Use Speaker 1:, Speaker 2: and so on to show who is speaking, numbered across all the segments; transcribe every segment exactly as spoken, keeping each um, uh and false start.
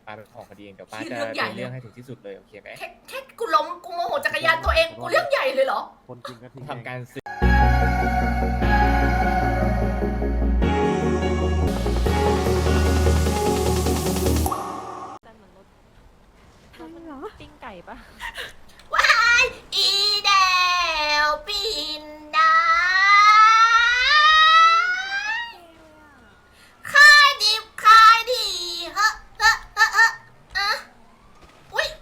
Speaker 1: ป้าเป็นของคดีเองเดี๋ยวป้า
Speaker 2: ที่
Speaker 1: จะ
Speaker 2: เรื่องใหญ่
Speaker 1: ดำเนินเรื่องให้ถึงที่สุดเลยโอเคไหม
Speaker 2: แค่แค่กูล้มกูโมโหจักรยานตัวเองกูเรื่องใหญ่เลยเหรอ
Speaker 3: คนจริงก็ทิ้ง
Speaker 1: ทำการซื้อ
Speaker 4: แต่เหมือนรถ
Speaker 5: ใช่เหรอ
Speaker 4: ปิ้งไก่ปะ
Speaker 2: ว้ายอีเดวปินดาขายดิบขายดีเฮ้อเฮ้อเฮ้อเฮ้ออะอุ้ย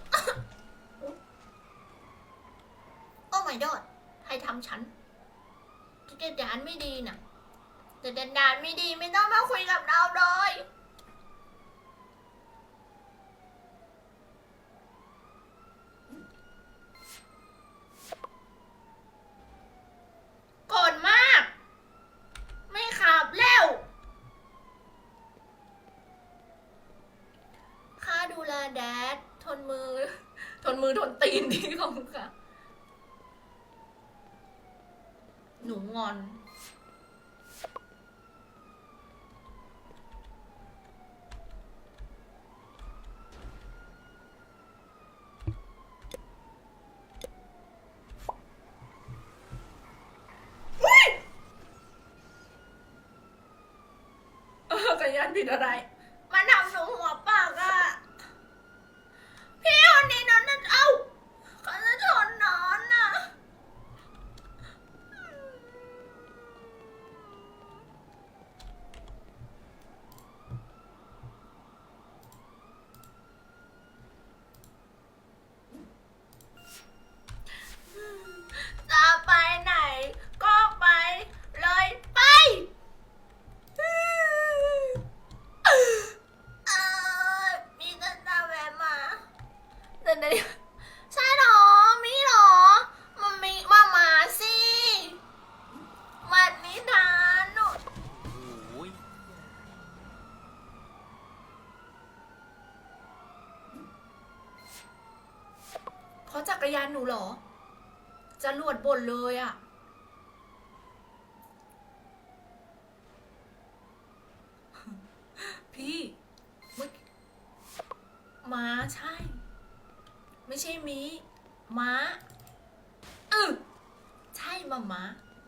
Speaker 2: โอ้ my god ใครทำฉันแต่ดานไม่ดีนะแต่ดานไม่ดีไม่ต้องมาคุยกับเราเลยโกรธมาก ไม่ขับแล้วค่าดูแลแดดทนมือ ทนมือทนตีนดีของค่ะ หนูงอน เออจักรยานผิดอะไร มาทำหนูหัวปากอะพี่คนนี้นอนนั่นเอ้าเขาจะชนนอนอะจะไปไหน ก็ไปเลยไป เออมีแต่ตาแวะมาเดี๋ยวเดี๋ยวใช่หรอ มีหรอ มันมีมามาสิมันนิทานหนู
Speaker 3: โอ้ย
Speaker 2: เพราะจักรยานหนูเหรอ จะรวดบ่นเลยอะพี่เมื่อม้าใช่ ไม่ใช่มีม้าเออใช่มาม้า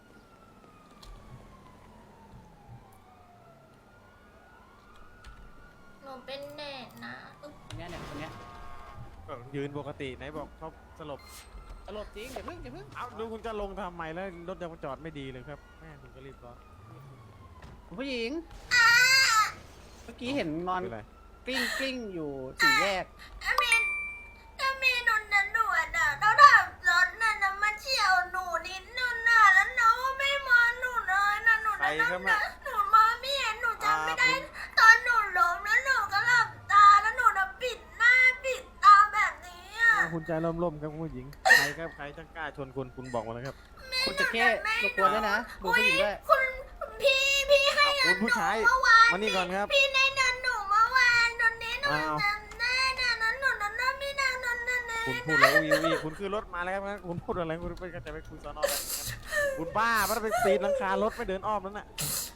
Speaker 2: หนูเป็นแน่นะอึ๊บ
Speaker 6: เนี้ยเนี่ยคนเนี้ย
Speaker 3: ก็ยืนปกติไหนบอกเขาสลบ
Speaker 6: ตลบจริงอย่าเพิ่งอย่าเพิ่ง
Speaker 3: เอ้าดูคุณจะลงทำไมแล้วรถยังจอดไม่ดีเลยครับแม่คุณก็รีบร้อน
Speaker 6: คุณผู้หญิง เมื่อกี้เห็นนอน
Speaker 3: คืออะไร
Speaker 6: กลิ้งกลิ้งอยู่สี่แยก
Speaker 2: อามีนอามีนหนูนะหนูอ่ะเราทำรถน่ะนะมาเฉี่ยวหนูนิดนึงน่ะแล้วน้องก็ไม่มาหนูเลยนะหนู
Speaker 3: ใคร
Speaker 2: นะ
Speaker 3: ครับ
Speaker 2: นะ
Speaker 3: แม่
Speaker 2: หนูมาไม่เห็นหนูจำไม่ได้
Speaker 3: อ่าคุณ
Speaker 2: ตอนหนูล้มแล้วหนูก็หลับตาแล้วหนูน่ะปิดหน้าปิดตาแบบนี้อ่ะ
Speaker 3: อ้าวคุณใจร่มๆครับคุณผู้หญิงใครครับใครจะกล้าชนคุณคุณบอกมาเลยครับ
Speaker 6: คุณจะแค่รบกวนด้วยนะดูผู้หญิงด้วย
Speaker 2: คุณพี่พี่ให้
Speaker 3: อ้าวคุณผู้ชาย
Speaker 2: เมื่อวาน
Speaker 3: มานี่ก่อนครับ
Speaker 2: พี่ในนั้นหนูเมื่อวานตอนนี้หนู
Speaker 3: อ้าว
Speaker 2: จำได้นะนั้นหนูนั้นน่ะไม่นานนั้นนั้นนั้น
Speaker 3: คุณพูดแล้ววีวีคุณคือรถมาแล้วครับคุณพูดอะไรคุณไปจะไปคุยสอนอแล้วคุณบ้ามันไปปีนหลังคารถไม่เดินอ้อมนั่นน่ะ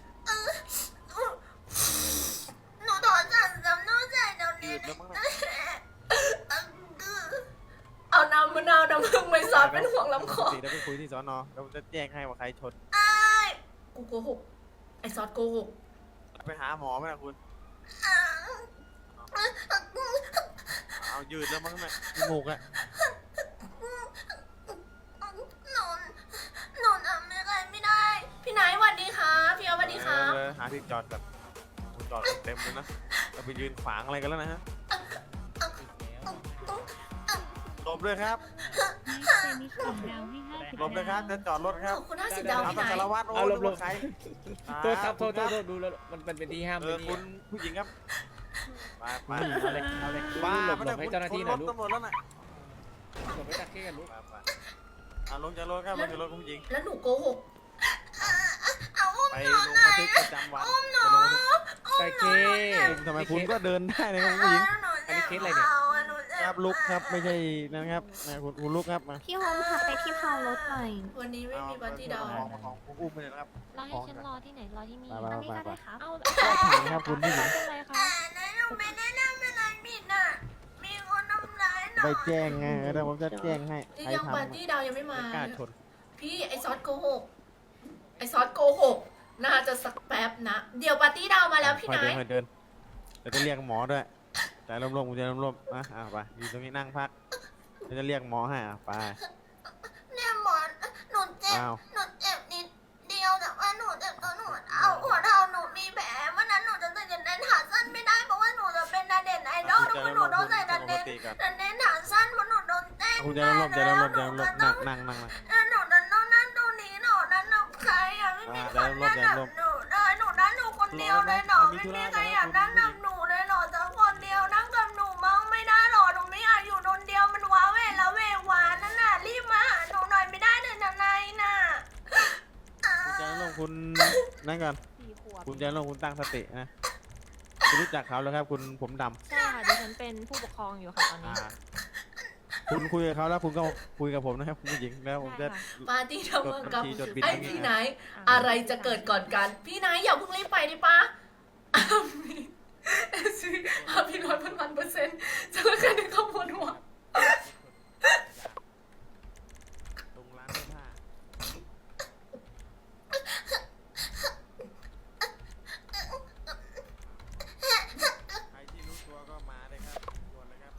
Speaker 2: หนูถอนสั่งจำนู้ใจเดี๋ยว
Speaker 3: ยื
Speaker 2: นี้
Speaker 3: ดแล้วมั้งนะ
Speaker 2: เอาน้ำมะนาวน้ำผึ้งไปซอสเป็นห่วงลำคอ
Speaker 3: ปกติเราไปคุยที่สอนอเราจะแจ้งให้ว่าใครชน
Speaker 2: ไอ้ายกูโกหกไอ้ซอสโกหก
Speaker 3: ไปหาหมอไหมล่ะคุณเอายืดแล้วมั้งน่ะจมูกอะ
Speaker 2: หนูหนูทำอะไรไม่ได้ พี่นายสวัสดีค่ะพี่เอาสวัสดีค่ะ
Speaker 3: เออหาที่จอดแบบคุณจอดเต็มเลยนะเราไปยืนขวางอะไรกันแล้วนะฮะหลบเลยครับ
Speaker 5: เซมิสองดาวให้ห้าสิบ
Speaker 3: หลบเลยครับจะจอดรถครับ
Speaker 2: ขอบคุณห้าสิบดาว
Speaker 3: เอา
Speaker 2: พี่
Speaker 3: ต
Speaker 2: นาย
Speaker 3: สารวัตรโอ้
Speaker 1: เอาหล
Speaker 3: ดู
Speaker 1: บ
Speaker 3: ว่าใคร
Speaker 1: โทษครับโทษโทษโทษดูแล้วมันเป็นที่ห้าม
Speaker 3: เอ
Speaker 1: เล
Speaker 3: อย คุณผู้หญิงครับไปไป
Speaker 1: เอาเลยเอาเลย
Speaker 3: บ้า
Speaker 1: หลบ
Speaker 3: ไม่
Speaker 1: หล
Speaker 3: ได้
Speaker 1: บให้
Speaker 3: คุณ
Speaker 1: เจ้าหน้าที่ห
Speaker 3: ร
Speaker 1: น่อย
Speaker 3: ถ
Speaker 1: ลูก
Speaker 3: ตำรวจแล้วน่ะ
Speaker 1: หลบให้ตักเก้กันลูก
Speaker 3: ไปไปอ่ะลงจากรถครับลงจากรถคุณผู้หญิง
Speaker 2: แล้วหนูโกหกเอาอุ้ม
Speaker 3: ไป
Speaker 2: หนู
Speaker 3: ลง
Speaker 2: หน่
Speaker 3: บั
Speaker 2: อน ย
Speaker 3: ทึกประจำวัน
Speaker 2: อุ้มหนู
Speaker 3: ไปลงบันทึก
Speaker 1: แต่เค
Speaker 3: ทำไมคุณก็เดินได้นะครับคุณผู้หญิง
Speaker 1: อันนี้เคสอะไรเนี่ย
Speaker 3: ครับลุกครับไม่ใช่นะครับนะคุณคุณลุกครับมา
Speaker 5: พี่โฮมพาไปที่พาวรถหน่อย
Speaker 2: วันนี้ไม่มีปาร์ตี้ดาว
Speaker 3: ของของคุณอุ้มไปเลยนะครับ
Speaker 4: รอให้ฉันรอที่ไหนรอที่มี
Speaker 3: ไปไป
Speaker 5: อันนี้
Speaker 3: ไป
Speaker 5: ก็
Speaker 3: ไป
Speaker 5: ได้ครับ
Speaker 4: เอ้า
Speaker 3: ก็ถามครับคุณผู้หญิง
Speaker 4: เป็นไรคะ
Speaker 2: แต่นั้นหนูไม่ได้ทำอะไรผิดนะ
Speaker 3: ไปแจ้งไงเดี๋ยวผมจะแจ้งให้
Speaker 2: นี่
Speaker 3: ใคร
Speaker 2: ยัง
Speaker 3: ทำ
Speaker 2: ปาร์ตี้ดาวยังไม่มา
Speaker 3: ไม่กล้าชน
Speaker 2: พี่ไอซอสโกหกไอซอสโกหกน่าจะสักแป๊บนะ เดี๋ยวปาร์ตี้ดาวมาแล้วพี่
Speaker 3: ค่อย
Speaker 2: นาย
Speaker 3: เดินค่อยเดินเดี๋ยวจะเรียกหมอด้วยใจร่มๆกูจะร่มๆนะอ่ะไปอยู่ตรงนี้นั่งพักเดี๋ยวจะเรียกหมอให้อ่ะไป
Speaker 2: เนี่ยหมอนหนูเจ็บ
Speaker 3: อ้าว
Speaker 2: หนูเจ็บนิดเดียวแต่ว่าหนูเจ็บตรงหัวเท้าหัวเท้าหนูมีแผลวันนั้นหนูจะใส่กางเกงขาสั้นไม่ได้เพราะว่าหนูจะเป็นนาเด่นไอดอลทุกคนหนูต้องใส่นาเด่นนาเด่นขาสั้นเพราะหนูโดนแจ้ง
Speaker 3: คุณจะร่มๆจะร่มๆจะร่มๆนั่งนั่งนั่งนั่ง
Speaker 2: แล้วหนูนั้นโน่นนั่นตรงนี้หนูนั้นหนูใครอ่ะไม่มีคนนั่งกับหนูได้หนูนั่งหนูคนเดียวเลยหนอไม่มีใครอยากนั่งกับหนูเลยหนอสักคนเดียวนั่งกับหนูมั้งไม่ได้หรอหนูไม่อยากอยู่คนเดียวมันว้าเวแล้วเววานนั่นน่ะรีบมาหาหนูหน่อยไม่ได้เลยนะนายน่ะ
Speaker 3: คุณจะร่มคุณนั่งก่อน
Speaker 5: สี่ขวบ
Speaker 3: คุณจะร่มคุณตั้งสตินะคุณรู้จักเขาแล้วครับ คุณผมดำ
Speaker 5: ใช่ค่ะดิฉันเป็นผู้ปกครองอยู่ค่ะตอนนี้
Speaker 3: อ่าคุณคุยกับเขาแล้วคุณก็คุยกับผมนะครับคุณผู้หญิงแล้วผมจะ
Speaker 5: ได้ค่ะ
Speaker 2: ปาร์ตี้ทำกับ
Speaker 3: จดบัญชีจดบิล
Speaker 2: ไอ้
Speaker 3: ตรงนี้
Speaker 2: พี่ไหนท์อะไรจะเกิดก่อนกัน พี่ไหนท์อย่าเพิ่งรีบไปดิป้าซื้อห้าพี่ร้อยพันพันเปอร์เซ็นต์จะเลิกกันในคำพูดหัว
Speaker 3: ตรงร้านเสื้อผ้าใครที่รู้ตัวก็มาเลยครับด่วนเลยครับ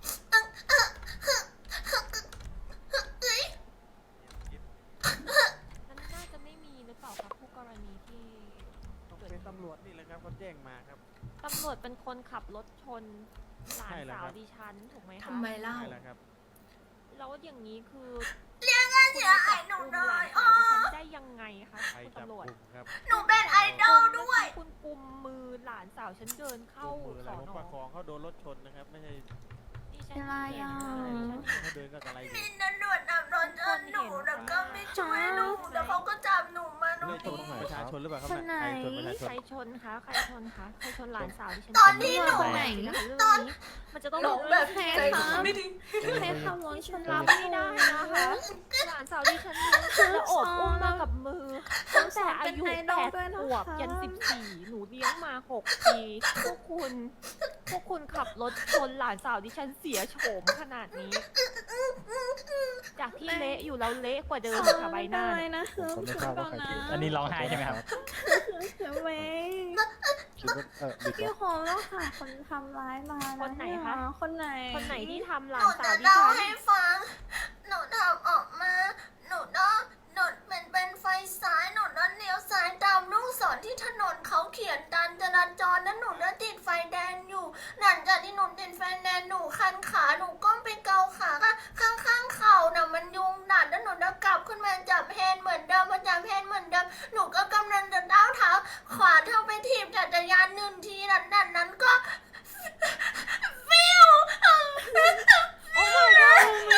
Speaker 5: มันน่าจะไม่มีหรือเปล่าครับผู้กรณีที่
Speaker 3: ต้องเป็นตำรวจนี่แหละครับเขาแจ้งมาครับ
Speaker 5: ตำรวจเป็นคนขับรถชนหลาน
Speaker 3: ใช่แล้ว
Speaker 5: สา
Speaker 3: คว รับ
Speaker 5: ดิฉันถูกไหมคะ
Speaker 2: ทำไมเล่า
Speaker 3: ใช่แล้วครับ
Speaker 5: แล้วอย่างนี้คือ
Speaker 2: เรียกเงินเสียหายหนูหน่อย
Speaker 5: คุณจับกุมหลานสาวดิฉันได้ยังไงคะ
Speaker 3: ใคร
Speaker 5: คุณ
Speaker 3: จับ
Speaker 5: ตำรวจ
Speaker 3: กลุ่มครับ
Speaker 2: หนูเป็นไอดอลด้วย
Speaker 5: คุณกุมมือหลานสาวฉันเดินเข้า
Speaker 3: มือ
Speaker 5: ส
Speaker 3: แล้
Speaker 5: อ
Speaker 3: วน ผมประคองเขาโดนรถชนนะครับ ไม่ใช่
Speaker 5: ดิฉัน
Speaker 4: อะไร
Speaker 5: เห็น
Speaker 4: อ่ะ
Speaker 5: ค่ะดิฉันเห็น
Speaker 3: เขาเดินก็อะไรอยู่
Speaker 2: มีตำรวจนำรถชนหนูแล้วก็ไม่ช่วยหนูแล้วเขาก็จับหนูมาหนู
Speaker 3: ไม่ชน
Speaker 2: ดี
Speaker 3: ประชาชนหรือเปล่าครับ
Speaker 4: คนไหน
Speaker 3: ใครชนประชาช
Speaker 5: ใคร
Speaker 3: น
Speaker 5: ชนคะใครชนคะใครชนหลานสาวดิฉัน
Speaker 2: ตอนที่หนู
Speaker 5: ไหนนะคะเรื่องนี้มันจะต้อง
Speaker 2: หลงแบบใจไม่ดี
Speaker 4: ใครขับรถชน
Speaker 5: รั
Speaker 4: รั
Speaker 5: บบ ไม่ได้นะคะหลานสาวดิฉันแล้วอบอุ้มมากับมือตั้งแต่อายุแปดขวบยันสิบสี่หนูเลี้ยงมาหกปีพวกคุณพวกคุณขับรถชนหลานสาวดิฉันเสียโฉมขนาดนี้ จากที่เละอยู่แล้วเละกว่าเดิมค่ะใบหน้า
Speaker 4: อะไร
Speaker 5: เนี่ย
Speaker 4: นะคือ
Speaker 7: ผมไม่ทราบว่าใครผิด
Speaker 8: อันนี้ร้องไห้ใช่ไหมครับ
Speaker 4: คือเว้ย
Speaker 7: คิดว่าเออบิด
Speaker 4: พี่
Speaker 7: ว่า
Speaker 4: โฮมแล้วค่ะคนทำร้ายมา
Speaker 5: คนไหนคะ
Speaker 4: คนไหน
Speaker 5: คนไหนที่ทำห
Speaker 2: ห
Speaker 5: ลา
Speaker 2: นู
Speaker 5: นสา
Speaker 2: จะ
Speaker 5: วดิ
Speaker 2: เล่า
Speaker 5: ฉัน
Speaker 2: ให้ฟัง หนูทำออกมา หนูโดนหนูเป็นเป็นไฟซ้าย หนูโดนเลี้ยวซ้ายตามลูกศรที่ถนนเขาเขียนการจราจรนั้นหนูโดนติดไฟแดงอยู่ หลังจากที่หนูติดไฟแดงหนูคันขา หนูก้มไปเกาขาข้างข้างๆเข่าน่ะมันยุงดัดแล้วหนูจะกลับขึ้นมาจับแฮนด์เหมือนเดิมมาจับแฮนด์เหมือนเดิม หนูก็กำลังจะก้าวเท้าขวาเท่าไปถีบจักรยานหนึ่งทีนั้นนั้นนั้นก็ ฟิว
Speaker 5: โอ้ my god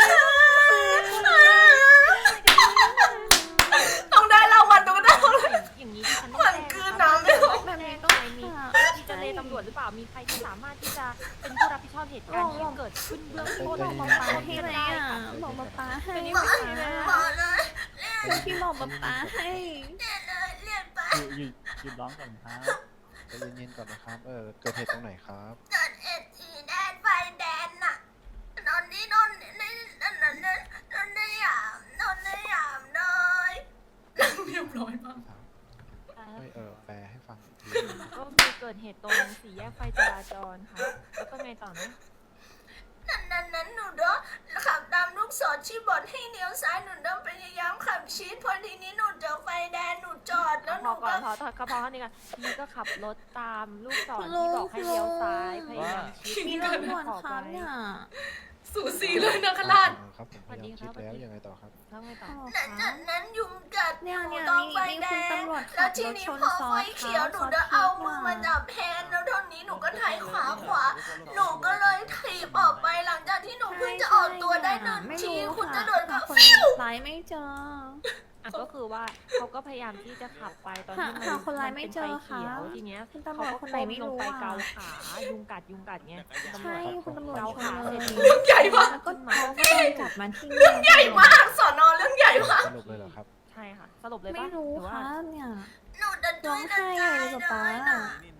Speaker 2: ต้องได้รางวัลต้องได้รางวัล
Speaker 5: อย่างนี้ดิฉัน
Speaker 2: เหมือนกลืนน้ำไม่ออก
Speaker 5: แบบนี้ต้องไหนมีมีเจเลตำรวจหรือเปล่า มีใครที่สามารถที่จะเป็นผู้รับผิดชอบเหตุการณ์ที่เกิดขึ้นเบื้องต้น
Speaker 4: บอก
Speaker 5: ของ
Speaker 4: ป๊าป๊าให้ไหมอ่ะบอกป๊าป๊าให้
Speaker 2: บอกบอกเลย
Speaker 4: คือพี่บอกป๊าป๊าให้
Speaker 2: เรียนเลยเรียนไป
Speaker 8: หยุดหยุดร้องก่อนครับ
Speaker 7: ใจเย็นๆก่อนนะครับ เออ เกิดเหตุตรงไหนครับ
Speaker 2: จดเอ็ดสีแดนไฟแดนน่ะนอนนี่นอนนี่นอนนั่นนั่นนอนนี่ยามนอนนี่ยามเลยนั่งเรียบร้อยมาก
Speaker 7: ไม่เออ แปลให้ฟังอีกที
Speaker 5: ก็มีเกิดเหตุตรงสี่แยกไฟจราจรค่ะ แล้วก็ไงต่อนะ
Speaker 2: นั่นนั่นนั้นหนูเด้อขับตามลูกศรชี้บอดให้เลี้ยวซ้ายหนูเด้อพยายามขับชิดพอทีนี้หนูเจอไฟแดงหนูจอดแล้วห
Speaker 5: พ
Speaker 2: นู
Speaker 5: อก่อ
Speaker 2: ก็
Speaker 5: นพอพอพอเท่านี้กันพี่ก็ขับรถตามลูกศรที่บอกให้เลี้ยวซ้ายพยายามชิด
Speaker 4: มีรถด่วนครับเนี่ย
Speaker 2: สูสีเลยนะคราช
Speaker 7: อ๋อครับผมพยายามคิดแล้วยังไงต่อครับ
Speaker 5: แล้วไงต่อ
Speaker 2: นั้นนั้นนั้นยุงกัด
Speaker 4: เนี่ยเนี่ย
Speaker 2: ต้อง
Speaker 4: มี
Speaker 2: ไฟ
Speaker 4: มี
Speaker 2: แด
Speaker 4: คุณ
Speaker 2: ง
Speaker 4: ตำรวจ
Speaker 2: แล้
Speaker 4: ขั
Speaker 2: ว
Speaker 4: บ
Speaker 2: ที
Speaker 4: รถ
Speaker 2: นี้
Speaker 4: ชน
Speaker 2: พอ
Speaker 4: ซ้
Speaker 2: ไฟ
Speaker 4: อน
Speaker 2: เขียวหนู
Speaker 4: ซ้อน
Speaker 2: จะเอา
Speaker 4: พิษ
Speaker 2: มือ
Speaker 4: ว่ะ
Speaker 2: มาจับแฮนด์แล้วเท่านี้หนูก็ถ่ายขวาขวา หนูก็เลยถีบออกไปหลังจากที่หนูเพิ่งจะออกตัวได้หนึ่ง
Speaker 4: ไม่
Speaker 2: ที
Speaker 4: รู้
Speaker 2: คุณจะ
Speaker 4: ค่ะ
Speaker 2: โดนกับ
Speaker 4: คน
Speaker 2: ฟิว
Speaker 4: ร้ายไม่เจอ
Speaker 5: อ่ะก็คือว่าเขาก็พยายามที่จะขับไปตอนที่มัน
Speaker 4: หาคนร้ายไม่เจอ
Speaker 5: มันเป็นไฟเขียว
Speaker 4: ค่ะ
Speaker 5: ทีเนี้ย
Speaker 4: คุณตำรวจ
Speaker 5: เขา
Speaker 4: คน
Speaker 5: ก็
Speaker 4: ไหน
Speaker 5: ก้ม
Speaker 4: ไม่
Speaker 5: ล
Speaker 4: รู้
Speaker 5: งไป
Speaker 4: อ่ะ
Speaker 5: เกาขายุงกัดยุงกัดเงี้ยตำร
Speaker 4: ใช่
Speaker 5: วจ
Speaker 4: คุณตำรวจ
Speaker 5: เกา
Speaker 4: ช
Speaker 5: ขาน
Speaker 4: เล
Speaker 5: เสร็จ
Speaker 4: ย
Speaker 5: ปุ๊บ
Speaker 2: ใหญ่มาก
Speaker 4: แล้วก็เขาก็โดนจับมาที่
Speaker 2: เรื่องใหญ่มากสอนอเรื่องใหญ่มาก
Speaker 7: สรุปเลยเหรอครับ
Speaker 5: ใช่ค่ะ สรุปเลยปะ
Speaker 4: ไม่รู้
Speaker 5: หรือ
Speaker 4: ค
Speaker 5: ว่า
Speaker 4: รับเนี่ย
Speaker 2: หนูจะ
Speaker 4: ร้องไห้ใหญ่เลยป๊าป๊า
Speaker 3: นี่หนักนะ
Speaker 5: เละ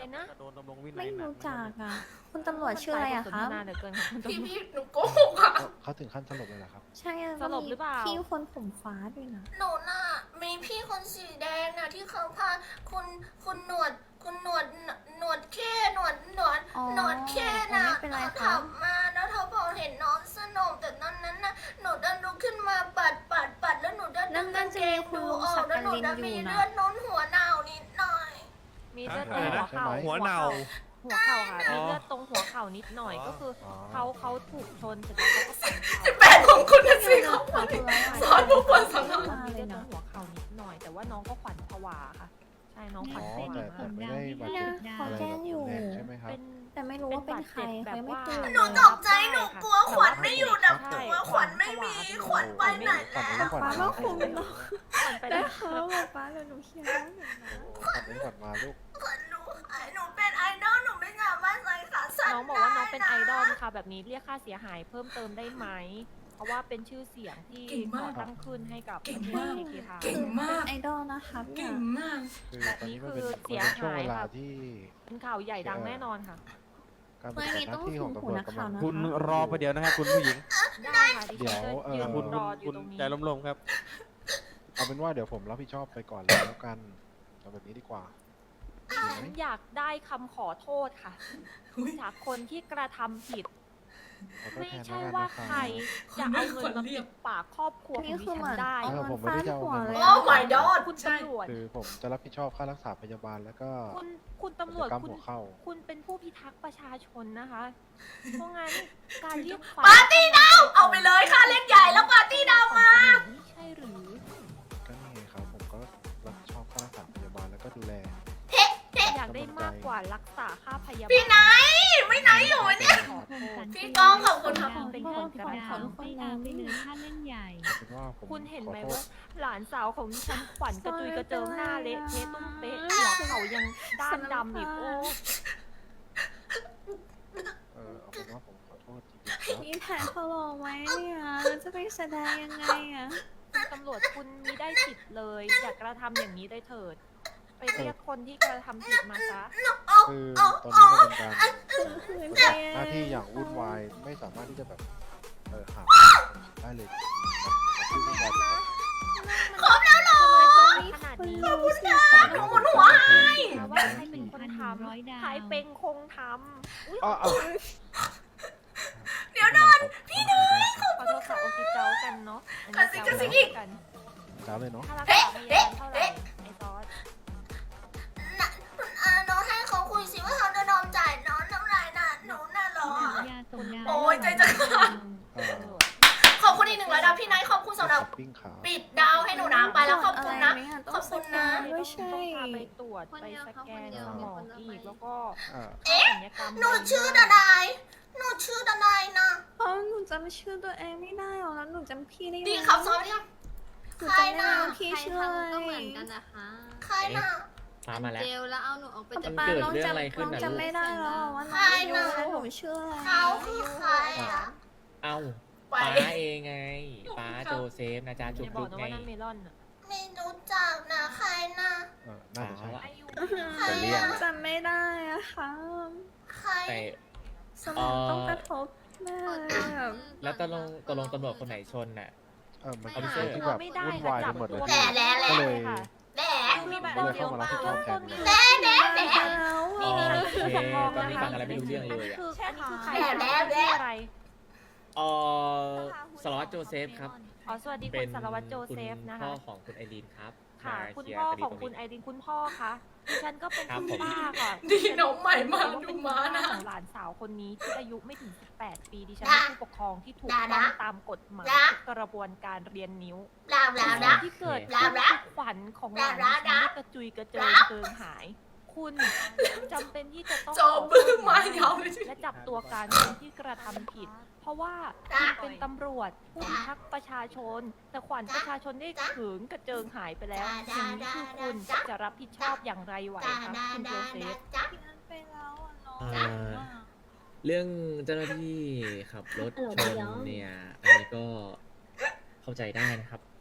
Speaker 5: นะ
Speaker 3: โดนดำรงวินัย
Speaker 4: ไม่
Speaker 3: หนั
Speaker 4: รู้
Speaker 3: นะ
Speaker 4: จักอ่ะ คุณตำรวจชื่ออะไรอะคะ
Speaker 5: นานเหลือเกินค่ะคุณ
Speaker 2: พี่
Speaker 5: ตำรวจ
Speaker 2: พี่หนูโกหกอ่ะ
Speaker 7: เขาเขาถึงขั้นสลบเลยเหรอครับ
Speaker 4: ใช่อะ
Speaker 5: สลบหรือเปล่า
Speaker 4: พี่คนผมฟ้าด้วยนะ
Speaker 2: หนูน่ะมีพี่คนสีแดงน่ะที่เขาพาคุณคุณหนวดคุณหนวดหนวดแค่หนวดหนวด
Speaker 4: อ๋อ
Speaker 2: หนวดแค่น่ะ
Speaker 4: ไม่เป็นไร
Speaker 2: เขา
Speaker 4: ครั
Speaker 2: ขั
Speaker 4: บ
Speaker 2: บมาแล้วเขาบอกเห็นน้องสนมแต่ตอนนั้นน่ะหนูดันลุกขึ้นมาปัดปัดปัดแล้วหนูดัน
Speaker 4: นั่น
Speaker 2: ดึง
Speaker 4: นั่
Speaker 2: กาน ง
Speaker 4: จะ
Speaker 2: เก
Speaker 4: มี
Speaker 2: ง
Speaker 4: คุณ
Speaker 2: ดู
Speaker 4: ลุง
Speaker 2: ออ
Speaker 4: สั
Speaker 2: ก
Speaker 4: ก
Speaker 2: แล้ว
Speaker 4: ก
Speaker 2: หนู
Speaker 4: ลิน
Speaker 2: ดัน
Speaker 4: อ
Speaker 2: มี
Speaker 4: ยู่นะ
Speaker 2: เลือดน้นหัวหนาวนิดหน่อย
Speaker 5: มีเลือดต
Speaker 3: อะ
Speaker 5: รง
Speaker 3: ไร
Speaker 5: หั
Speaker 3: นะ
Speaker 5: วเข่า
Speaker 7: หัว
Speaker 3: เน่า
Speaker 5: หัวเข่าค่ะมีเลือดตรงหัวเข่านิดหน่อย
Speaker 3: อ๋อ
Speaker 5: ก็คือ
Speaker 7: อ๋อ
Speaker 5: เขาเขาถูกชนเสร็จแล้วเขาก็ฝัน
Speaker 2: สิบแปดของคุณนะสิเขา
Speaker 4: ขอบคุณแล้ว
Speaker 2: สอนผู้คนสอน
Speaker 4: มา
Speaker 5: มี
Speaker 4: เล
Speaker 5: เลือย ดตร
Speaker 4: นะ
Speaker 5: งหัวเข่านิดหน่อย แต่ว่าน้องก็ขวัญผวาค่ะ ใช่น้องข
Speaker 7: อ๋
Speaker 5: วั
Speaker 7: อ
Speaker 5: ญผ
Speaker 7: แต่
Speaker 5: วา
Speaker 7: แต่ไม่ได้บาดเจ็บ
Speaker 4: เนี่ย
Speaker 7: อะไร
Speaker 4: เขาแจ้งอยู่
Speaker 7: แบบรุนแรงใช่ไหมครับ
Speaker 5: เป็น
Speaker 4: แต่ไม่รู้ว่าเป็นใคร
Speaker 5: เป็นบาดเจ็บ
Speaker 4: เขายังไม่
Speaker 5: แบบ
Speaker 4: ตื่น
Speaker 2: หนู
Speaker 4: เลย
Speaker 2: ตกใจหนูกลัวขวัญไม่อยู่ดับ
Speaker 5: ใช่
Speaker 2: ตัวขวัญไม่มีขวัญไปไหน
Speaker 7: ขวัญ
Speaker 2: แล้ว
Speaker 7: ขวัญ
Speaker 4: ป้า
Speaker 7: มา
Speaker 4: ก็คุมเนาะ
Speaker 5: ขวัญไป
Speaker 4: ได้
Speaker 5: แล้ว
Speaker 4: ค่ะบอกป้าเลยหนูเคลียร์แล้วหนูนะ
Speaker 7: ขวัญไม่ขวัญมาลูก
Speaker 2: ขวัญหนูหายหนูเป็นไอดอลหนูไม่สามารถใส่ขาสั้น
Speaker 5: น้องบอกว่าน้องเป็นไอดอลค่ะ แบบนี้เรียกค่าเสียหายเพิ่มเติมได้ไหม เพราะว่าเป็นชื่อเสียงที่ก่อตั้งขึ้นให้กับประเทศเอเคทา
Speaker 2: เก่งมาก
Speaker 4: ไอดอลนะคะเนี่
Speaker 2: เก่
Speaker 4: ย
Speaker 2: งมาก
Speaker 7: คือ
Speaker 5: แบบ
Speaker 7: ตอน
Speaker 5: นี้
Speaker 7: นี้มัน
Speaker 5: คื
Speaker 7: เป็น
Speaker 5: อ
Speaker 7: มันเป็นช่วง
Speaker 5: เสียหาย
Speaker 7: เวลา
Speaker 5: ค่ะ
Speaker 7: ที่
Speaker 5: เป็นข่าวใหญ่ดังแน่นอนค่ะ
Speaker 7: การปฏิบัติหน้าที่ของตำรวจกำลัง
Speaker 3: คุณรอไปเดี๋ยวนะครับคุณผู้หญิง
Speaker 5: ได้ค่ะดิฉัน
Speaker 7: เดี๋
Speaker 5: จะ
Speaker 7: ยวเอ่อ
Speaker 5: ยืน
Speaker 3: คุณ
Speaker 5: ร
Speaker 3: คุณ
Speaker 5: ออยู่
Speaker 3: คุณ
Speaker 5: ตรงนี้
Speaker 3: ใจล้มๆครับ
Speaker 7: เอาเป็นว่าเดี๋ยวผมรับผิดชอบไปก่อนเลยแล้วกันเอาแบบนี้ดีกว่าดีไหม
Speaker 5: ฉันอยากได้คำขอโทษค่ะ จากคนที่กระทำผิด
Speaker 7: ขอโทษ
Speaker 5: ไม่
Speaker 7: แทน
Speaker 5: ใช่
Speaker 7: แล้วกัน
Speaker 5: ว่า
Speaker 7: นะครับ
Speaker 5: ใครจะเอาเงินมาปิดปากครอบครัวของ
Speaker 4: นี่
Speaker 5: ดิ
Speaker 4: คือเห
Speaker 5: ฉั
Speaker 4: มือน
Speaker 5: นได้
Speaker 4: เอา
Speaker 7: เออ
Speaker 4: เงิ
Speaker 7: ผ
Speaker 4: น
Speaker 7: มไม่
Speaker 4: ฟา
Speaker 7: ได้
Speaker 4: ด
Speaker 7: จะเอา
Speaker 4: หัว
Speaker 7: เงิน
Speaker 4: เลย
Speaker 7: มา
Speaker 2: โอ้ my god
Speaker 5: คุณ
Speaker 2: ใช่
Speaker 5: ตำรวจ
Speaker 7: คือผมจะรับผิดชอบค่ารักษาพยาบาลแล้วก็
Speaker 5: คุณคุณตำรวจ
Speaker 7: กิจกรรม
Speaker 5: คุณ
Speaker 7: หัวเข้า
Speaker 5: คุณเป็นผู้พิทักษ์ประชาชนนะคะ เพราะงั้นการเรียก
Speaker 2: ปาร์ตี้ดาวเอาไปเลยค่ะเล่นใหญ่แล้วปาร์ตี้ดาวมา
Speaker 5: ไม่ใช่หรือ
Speaker 7: ก็นี่ไงครับผมก็รับผิดชอบค่ารักษาพยาบาลแล้วก็ดูแล
Speaker 5: อยากได้มากกว่ารักษาค่าพยาบาล
Speaker 2: พี่ไนท์ไม่ไนท์อยู่วะเนี่ย
Speaker 5: ขอโทษ
Speaker 2: พี่ก้องขอบคุณครับ
Speaker 5: เป็นคนกระ
Speaker 4: ขอ
Speaker 5: ทำ
Speaker 4: ทุกคนนะไม่ลืม
Speaker 7: เอาเป็นว่าผม
Speaker 5: คุณเห็นไหม
Speaker 7: ขอโท
Speaker 5: ว่า
Speaker 7: ษ
Speaker 5: หลานสาวของดิฉันขวัญกระจุยกระเจิงหน้าเละเทะตุ้มเป๊ะหัวเขายังด้านดำอีกโอ้
Speaker 7: เออเอาเป็นว่าผมขอโทษจริงๆครับ
Speaker 4: พี่แผนเขาหลอกไหมเนี่ยแล้วจะไปแสดงยังไงอ่ะ
Speaker 5: คุณตำรวจคุณมีได้ผิดเลย อย่ากระทำอย่างนี้ได้เถิด ไปเรียกคนที่กระทำผิดมาซะ
Speaker 7: คือตอนนี้มันเป็นการ
Speaker 4: คืน
Speaker 7: ป
Speaker 4: ไป
Speaker 7: ฏิบัติหน้าที่อย่างวุ่นวายไม่สามารถที่จะแบบเออหาได้เลยมันมันวุ่นวายจริงๆ
Speaker 2: ครบแล้วเหรอ
Speaker 5: ขนาดนี้
Speaker 4: ขอบคุณค่ะ
Speaker 2: หนูหมุนหัวให้
Speaker 5: แต่ว่าใครเป็นคนทำใครเป็นคงทำอุ๊ย
Speaker 7: อ๋อเอา
Speaker 2: เดี๋ยวโดน
Speaker 7: พี่เนย
Speaker 5: ขอโทษค่ะโอเคเจ้ากันเนาะอัน
Speaker 2: กระ
Speaker 5: นี้
Speaker 2: ซิกกระซิก
Speaker 5: เจ้า
Speaker 2: อีก
Speaker 5: กัน
Speaker 7: จ้าเลยเนาะ
Speaker 5: ค่ารักษาพยาบาลเท่าไหร่ไอ้ซอส
Speaker 2: น่ะอ่าน้องให้เขาคุยสิว่าเขาจะยอมจ่ายน้องเท่าไหร่น่ะหนูน่ะเหรอ โอ้ยใจจะขาด
Speaker 7: เออ
Speaker 2: ขอบคุณอีกหนึ่งร้อยดาวพี่ไนท์ขอบคุณสำหรับ
Speaker 7: ปิ้งขา
Speaker 2: ปิดดาวให้หนูนะไปแล้วขอบคุณนะ ขอบคุณนะ
Speaker 4: ไม่ใช่
Speaker 5: ต้องพาไปตรวจไปสแกนสมองอีกแล้วก็
Speaker 7: อ่า
Speaker 5: ศัลยกรรม
Speaker 2: หนูชื่อดานายหนูชื่อดานายนะ
Speaker 4: เพราะหนูจำชื่อตัวเองไม่ได้หรอกแล้วหนูจำพี่ได้ไหม
Speaker 2: ดีครับซ้อมยัง
Speaker 4: หนูจำไม่ได้ว่าพี่ชื่ออะไร
Speaker 9: ก็เหมือนกันนะคะ
Speaker 2: ใครน่ะ
Speaker 1: ฟ้ามาแล้ว
Speaker 9: เจลแล้วเอาหนูออกไป
Speaker 1: มัน
Speaker 9: จาก
Speaker 1: เกิด
Speaker 4: น้อง
Speaker 1: เรื่อง
Speaker 4: จำ
Speaker 1: อะไรขึ้น
Speaker 4: น้อง
Speaker 1: น่ะ
Speaker 4: จำไม่ได้แล้วว่าน้อง
Speaker 2: ใคร
Speaker 4: อายุ
Speaker 2: น่ะ
Speaker 4: แล้วหนูชื่ออะไร
Speaker 2: เขาคือใครอ่ะ
Speaker 1: เอ้า
Speaker 2: ไป
Speaker 1: ป้าเองไงป้าโจเซฟนะจ๊ะจุ
Speaker 5: อย่าก บ
Speaker 1: จุ
Speaker 5: อก
Speaker 1: ก
Speaker 5: นะ
Speaker 1: ไง
Speaker 5: ว่านั่นเมลอนอะ
Speaker 2: ไม่รู้จักนะใครน่ะ
Speaker 7: เออน่าจะใช่
Speaker 5: อายุ
Speaker 2: ใคร
Speaker 1: จะเรียก
Speaker 2: อ่ะ
Speaker 4: จำไม่ได้อะค่ะ
Speaker 2: ใคร
Speaker 1: แต่
Speaker 4: สมองต้องกระทบแน่เลยแบบ
Speaker 1: แล้วตกลงตกลงตำรวจคนไหนชนน่ะ
Speaker 7: เออมัน
Speaker 1: เอา
Speaker 7: เป็น
Speaker 1: ไป
Speaker 7: เรื่องที่
Speaker 5: เรา
Speaker 7: แบบ
Speaker 5: ไม่ได้
Speaker 7: วุ่น
Speaker 5: ค่ะ
Speaker 7: วาย
Speaker 5: จั
Speaker 7: ไป
Speaker 5: บ
Speaker 7: หมดเลย
Speaker 5: ตัว
Speaker 2: แหละแหละแหละ
Speaker 7: ก็เลย
Speaker 5: ค่ะ
Speaker 2: แหละ
Speaker 5: มีแบบ
Speaker 7: ก็เลย
Speaker 5: เดียว
Speaker 7: เข้ามารับ
Speaker 5: เปล่า
Speaker 7: ผิดชอบแทน
Speaker 5: เริ่มต้นมี
Speaker 2: แหละแหละแหละ
Speaker 4: แล้ว
Speaker 1: อ๋อ
Speaker 4: อะ
Speaker 1: โอเคตอนนี้ฟังอะไรไม่รู้เรื่องเลยอ่ะ
Speaker 5: คืออันนี้คือใคร
Speaker 2: แหละแหละแหละ
Speaker 5: อะไร
Speaker 1: เออสล็อตโจเซฟครับ
Speaker 5: อ๋อสวัสดี
Speaker 1: เป็
Speaker 5: คุ
Speaker 1: น
Speaker 5: ณสารวัตรโจเซฟ
Speaker 1: คุณ
Speaker 5: นะ
Speaker 1: พ่อ
Speaker 5: คะ
Speaker 1: ของคุณไอรีนครับ
Speaker 5: ค่ะ
Speaker 1: มา
Speaker 5: คุณ
Speaker 1: เคลียร์
Speaker 5: พ่อ
Speaker 1: คดี
Speaker 5: ของ
Speaker 1: ตรง
Speaker 5: คุณ
Speaker 1: นี้
Speaker 5: ไอรินคุณพ่อคะดิฉันก็เป็น
Speaker 1: ครับ
Speaker 5: คุณ
Speaker 1: ผม
Speaker 5: ป้าค่ะ
Speaker 2: ดีน้องใหม่มา
Speaker 5: ดิฉั
Speaker 2: ดู
Speaker 5: น
Speaker 2: ม้า
Speaker 5: เป็น
Speaker 2: นะ
Speaker 5: คุณป้ของหลานสาวคนนี้ที่อายุไม่ถึง สิบแปด ปีดิฉัน
Speaker 2: นะ
Speaker 5: เป็นผู้ปกครองที่ถูก
Speaker 2: นะ
Speaker 5: ต้อง
Speaker 2: นะ
Speaker 5: ตามกฎหมาย
Speaker 2: นะ
Speaker 5: ทุกกระบวนการเรียนนิ้ว
Speaker 2: ลาวลาวนะ
Speaker 5: ที่เกิด
Speaker 2: นะ
Speaker 5: ขึ้น
Speaker 2: นะ
Speaker 5: คือขวัญของหลาน
Speaker 2: นะ
Speaker 5: ดิฉัน
Speaker 2: นะ
Speaker 5: ที่กระจุยกระเจิง
Speaker 2: นะ
Speaker 5: เกินหาย คุณจำเป็นที่จะต้อง
Speaker 2: โจบึ้งมายาวเลย
Speaker 5: และจับตัวการคนที่กระทำผิด เพราะว่า
Speaker 2: จ้ะ
Speaker 5: คุณเป็นตำรวจผู้พิทักษ์ประชาชน แต่ขวัญประชาชนได้
Speaker 2: จ้ะ
Speaker 5: ถึงกระเจิงหายไปแล้ว
Speaker 2: จ้ะ
Speaker 5: อย่างนี้คือคุณ
Speaker 2: จ้ะ
Speaker 5: จะรับผิดชอบอย่างไรไหว
Speaker 2: ดา
Speaker 5: คะ
Speaker 2: ดา
Speaker 5: คุณโจ
Speaker 2: ดา
Speaker 5: เซ
Speaker 2: ดา
Speaker 5: ฟ
Speaker 2: จ้ะ
Speaker 4: พี่นันไปแล้วอะน้อง
Speaker 1: อ่า เรื่องเจ้าหน้าที่ขับรถชนเนี่ย อันนี้ก็เข้าใจได้นะครับ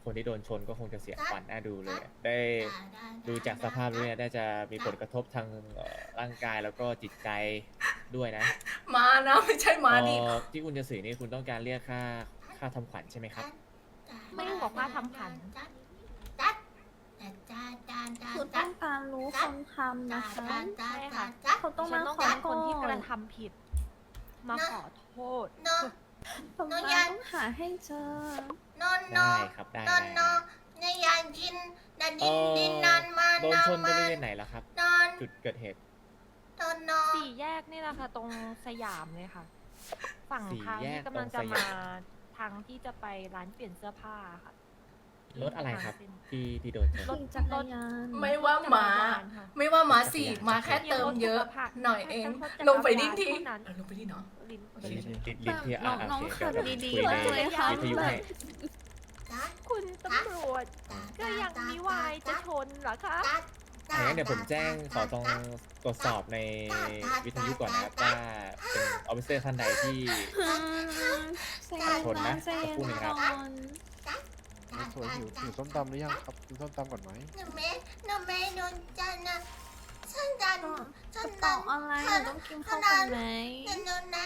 Speaker 1: คนที่โดนชนก็คงจะเสียขวัญน่าดูเลยอะได้
Speaker 2: ได้
Speaker 1: ดูจากสภาพแล้วเนี่ยน่าจะมีผลกระทบทางเอ่อร่างกายแล้วก็จิตใจด้วยนะ
Speaker 2: มานะไม่ใช่มาดิ
Speaker 1: เอ่อที่คุณจะสื่อนี่คุณต้องการเรียกค่าค่าทำขวัญใช่ไหมครับ
Speaker 5: ไม่บอกว่าทำผัน
Speaker 2: จัดจัดจัดจัดจัด
Speaker 4: คือ
Speaker 2: จั
Speaker 4: ต้
Speaker 2: ด
Speaker 4: องการรู้คนทำ
Speaker 2: จั
Speaker 4: นะ
Speaker 2: ด
Speaker 4: คะ
Speaker 2: จัดจัด
Speaker 5: ใช่
Speaker 2: จั
Speaker 5: ค่ะ
Speaker 2: ดจัด
Speaker 4: เขาต้อง
Speaker 5: ฉั
Speaker 4: มาน
Speaker 5: ต้อง
Speaker 4: ขอ
Speaker 5: การ
Speaker 4: ก่
Speaker 5: ค
Speaker 4: อน
Speaker 5: ที่กระ
Speaker 4: น
Speaker 5: ทำผิด มาขอโทษ
Speaker 2: โน
Speaker 4: ผม
Speaker 2: หนู
Speaker 4: มา
Speaker 2: อยาก
Speaker 4: ต้องหาให้เจอ
Speaker 2: โนโน
Speaker 1: ได้ครับได้
Speaker 2: โน
Speaker 1: ได้
Speaker 2: โนในยานกินดันดิ
Speaker 1: เอ่
Speaker 2: น
Speaker 1: อ
Speaker 2: ดินนานมา
Speaker 1: โดน
Speaker 2: นาน
Speaker 1: ชนบ
Speaker 2: มา
Speaker 1: ริเวณไหนล่ะครับ
Speaker 2: นอน
Speaker 1: จุดเกิดเหตุ
Speaker 2: โนโน
Speaker 5: สี่แยกนี่แหละค่ะ ตรงสยามเลยค่ะ ฝั่ง
Speaker 1: สี่
Speaker 5: ทาง
Speaker 1: แย
Speaker 5: ที่
Speaker 1: ก
Speaker 5: กำลัง
Speaker 1: ตร
Speaker 5: จะ
Speaker 1: งส
Speaker 5: มาย
Speaker 1: าม
Speaker 5: ทางที่จะไปร้านเปลี่ยนเสื้อผ้าค่ะ
Speaker 1: รถอะไรครับที่ที่โดนชน
Speaker 4: ขี่จักรยาน
Speaker 2: ไม่ว่าหมา
Speaker 5: ค่ะ
Speaker 2: ไม่ว่าหมาสี่หมาแค่เติมเยอะ หน่อยเอง ลงไปดิ้นที
Speaker 5: เท่านั้น
Speaker 2: เออลงไปดิ้นเนาะ
Speaker 5: ลิ้น
Speaker 1: ลิ้นลิ้นลิ้นที่
Speaker 4: น้
Speaker 1: อ่า
Speaker 4: อง
Speaker 1: โอ
Speaker 4: น้อง
Speaker 1: เค
Speaker 4: ขับ
Speaker 1: เดี๋ยว
Speaker 4: ดี
Speaker 1: คุย
Speaker 4: ๆ
Speaker 1: ใน
Speaker 4: เลยค่ะ
Speaker 1: วิทยุ
Speaker 4: แบ
Speaker 1: ให้
Speaker 4: บ
Speaker 2: จัด
Speaker 5: คุณตำรวจ
Speaker 2: จัด
Speaker 5: ก็ยังมีวายจะชนเหรอคะ
Speaker 2: จัด
Speaker 1: อ่างั้นเดี๋ยวผมแจ้งขอตรงตรวจสอบในวิทยุก่อนนะครับว่าเป็นออฟฟิเซอร์ท่านใดที่
Speaker 4: ใจเย็น
Speaker 1: ชนนะ
Speaker 4: ใจเย็น
Speaker 1: สักครู่หนึ่งครับ
Speaker 4: ก่อน
Speaker 7: สวยหิวหิวส้มตำหรือยังครับกินส้มตำก่อนไหม
Speaker 2: หนูไม่หนูไม่โดนจันนะฉันดัน
Speaker 4: ก็
Speaker 2: ฉั
Speaker 4: ก
Speaker 2: น
Speaker 4: ระ
Speaker 2: ดั
Speaker 4: เป๋าน อะไรหนูต้องกินข้าวก่อนไหม
Speaker 2: ฉันโดนนะ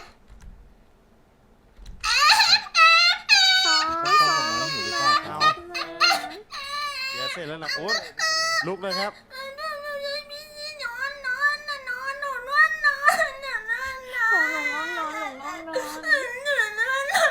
Speaker 4: ซอ
Speaker 7: ส้ม
Speaker 4: ส
Speaker 7: ตำ
Speaker 4: อ
Speaker 7: ก่อนไหมหิวหรือเปล่าค
Speaker 3: เอา
Speaker 7: รับ
Speaker 3: เดี๋ยวเสร็จแล้วนะโอ๊ตลุกเลยครับ
Speaker 2: หนูหนูจะมีที่นอนนอนนอนนอนนอนนอนนอนนอนนอนนอน
Speaker 4: หลงง่องนอนหลงง่องนอน
Speaker 2: นอนนอนนอน